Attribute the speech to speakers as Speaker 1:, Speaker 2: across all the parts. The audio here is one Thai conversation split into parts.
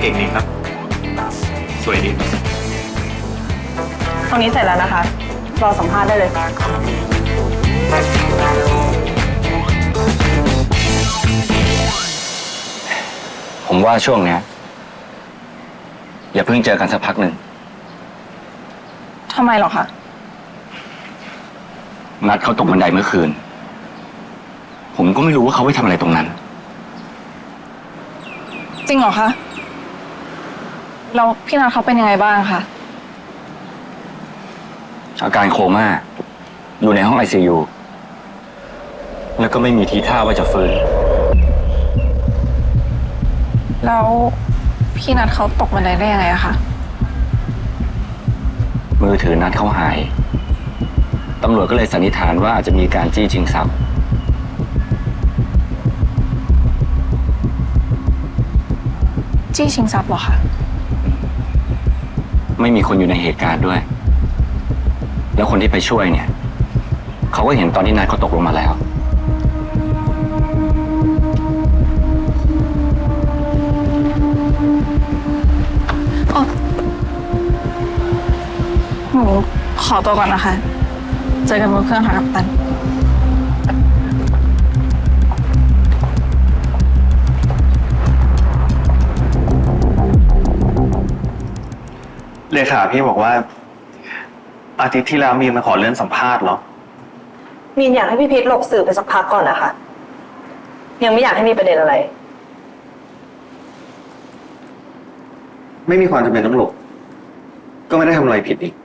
Speaker 1: เก่งดีครับ สวยดี
Speaker 2: ตรงนี้เสร็จแล้วนะคะ รอสัมภาษณ์ได้เลย
Speaker 3: ผมว่าช่วงเนี้ยอย่าเพิ่งเจอกันสักพักหนึ่ง
Speaker 2: ทำไมหรอคะ
Speaker 3: นัดเขาตกบันไดเมื่อคืน ผมก็ไม่รู้ว่าเขาไปทำอะไรตรงนั้น
Speaker 2: จริงเหรอคะแล้วพี่นัทเขาเป็นยังไงบ้างคะ
Speaker 3: อาการโคม่าอยู่ในห้อง ICU แล้วก็ไม่มีทีท่าว่าจะฟื้น
Speaker 2: แล้วพี่นัทเขาตกบันไดได้ยังไงอะคะ
Speaker 3: มือถือนัดเขาหาย ตำรวจก็เลยสันนิษฐานว่าอาจจะมีการจี้ชิงทรัพย์
Speaker 2: จี้ชิงทรัพย์เหรอคะ
Speaker 3: ไม่มีคนอยู่ในเหตุการณ์ด้วย แล้วคนที่ไปช่วยเนี่ย เขาก็เห็นตอนที่นัดเขาตกลงมาแล้ว
Speaker 2: หนูขอตัวก่อนนะคะ เจอกันบนเครื่องค่ะกัปตัน
Speaker 1: เลขาพี่บอกว่า อาทิตย์ที่แล้วมีมาขอเลื่อนสัมภาษณ์เหรอ
Speaker 4: มีนอยากให้พี่พีทหลบสื่อไปสักพักก่อนนะคะ ยังไม่อยากให้มีประเด็นอะไร
Speaker 1: ไม่มีความจำเป็นต้องหลบ ก็ไม่ได้ทำอะไรผิดอีก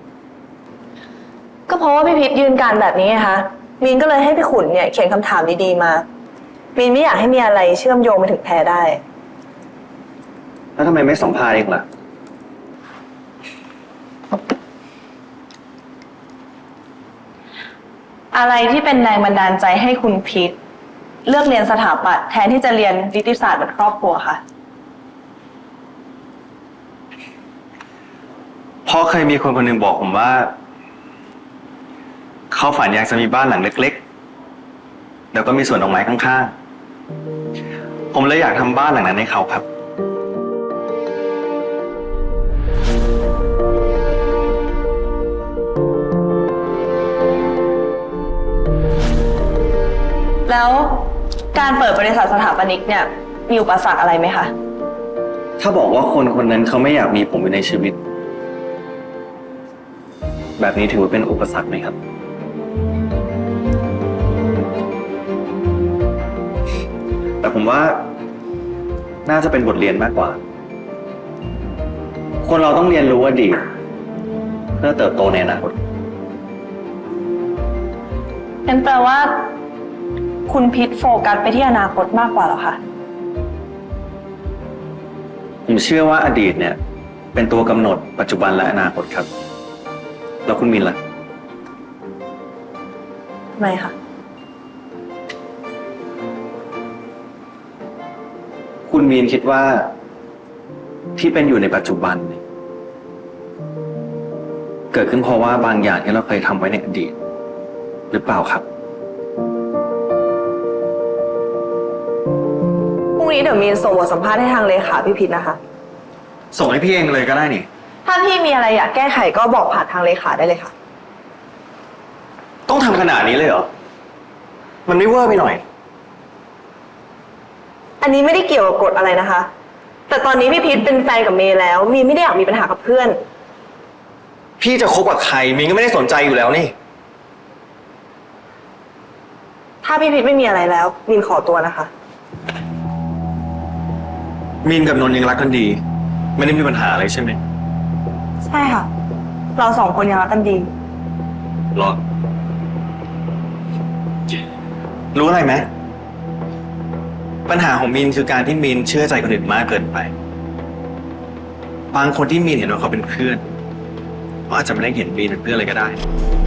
Speaker 4: ก็เพราะว่าพี่พีทยืนการแบบนี้ไงคะมีนก็เลยให้พี่ขุนเนี่ยเขียนคำถามดีๆมา มีนไม่อยากให้มีอะไรเชื่อมโยงไปถึงแพรได้
Speaker 1: แล้วทำไมไม่สัมภาษณ์เองล่ะ
Speaker 4: อะไรที่เป็นแรงบันดาลใจให้คุณพีทเลือกเรียนสถาปัตย์แทนที่จะเรียนนิติศาสตร์แบบครอบครัวคะ
Speaker 1: เพราะเคยมีคนคนหนึ่งบอกผมว่า เขาฝันอยากจะมีบ้านหลังเล็กๆ แล้วก็มีสวนดอกไม้ข้างๆ ผมเลยอยากทำบ้านหลังนั้นให้เขาครับ
Speaker 4: แล้วการเปิดบริษัทสถาปนิกเนี่ยมีอุปสรรคอะไรไหมคะ
Speaker 1: ถ้าบอกว่าคนคนนั้นเขาไม่อยากมีผมอยู่ในชีวิต แบบนี้ถือว่าเป็นอุปสรรคไหมครับ แต่ผมว่าน่าจะเป็นบทเรียนมากกว่า คนเราต้องเรียนรู้อดีตเพื่อเติบโตในอนาคต
Speaker 4: งั้นแปลว่า คุณพีทโฟกัสไปที่อนาคตมากกว่าเหรอคะ
Speaker 1: ผมเชื่อว่าอดีตเนี่ย เป็นตัวกำหนดปัจจุบันและอนาคตครับ แล้วคุณมินล่ะ
Speaker 4: ไม่ค่ะ
Speaker 1: คุณมีนคิดว่าที่เป็นอยู่ในปัจจุบันเนี่ยเกิดขึ้นเพราะว่าบางอย่างที่เราเคยทำไว้ในอดีต หรือเปล่าครับ
Speaker 4: พรุ่งนี้เดี๋ยวมีนส่งบทสัมภาษณ์ให้ทางเลขาพี่พีทนะคะ
Speaker 1: ส่งให้พี่เองเลยก็ได้นี่
Speaker 4: ถ้าพี่มีอะไรอยากแก้ไขก็บอกผ่านทางเลขาได้เลยค่ะ
Speaker 1: ต้องทำขนาดนี้เลยเหรอ มันไม่เวอร์ไปหน่อย
Speaker 4: อันนี้ไม่ได้เกี่ยวกับกฎอะไรนะคะ แต่ตอนนี้พี่พีทเป็นแฟนกับเมย์แล้ว มีนไม่ได้อยากมีปัญหากับเพื่อน
Speaker 1: พี่จะคบกับใครมีนก็ไม่ได้สนใจอยู่แล้วนี่
Speaker 4: ถ้าพี่พีทไม่มีอะไรแล้วมีนขอตัวนะคะ
Speaker 1: มีนกับนนท์ยังรักกันดี ไม่ได้มีปัญหาอะไรใช่ไหม
Speaker 4: ใช่ค่ะ เราสองคนยังรักกันดี
Speaker 1: หรอ รู้อะไรไหมปัญหาของมีนคือการที่มีนเชื่อใจคนอื่นมากเกินไป บางคนที่มีนเห็นว่าเขาเป็นเพื่อนเขาอาจจะไม่ได้เห็นมีนเป็นเพื่อนเลยก็ได้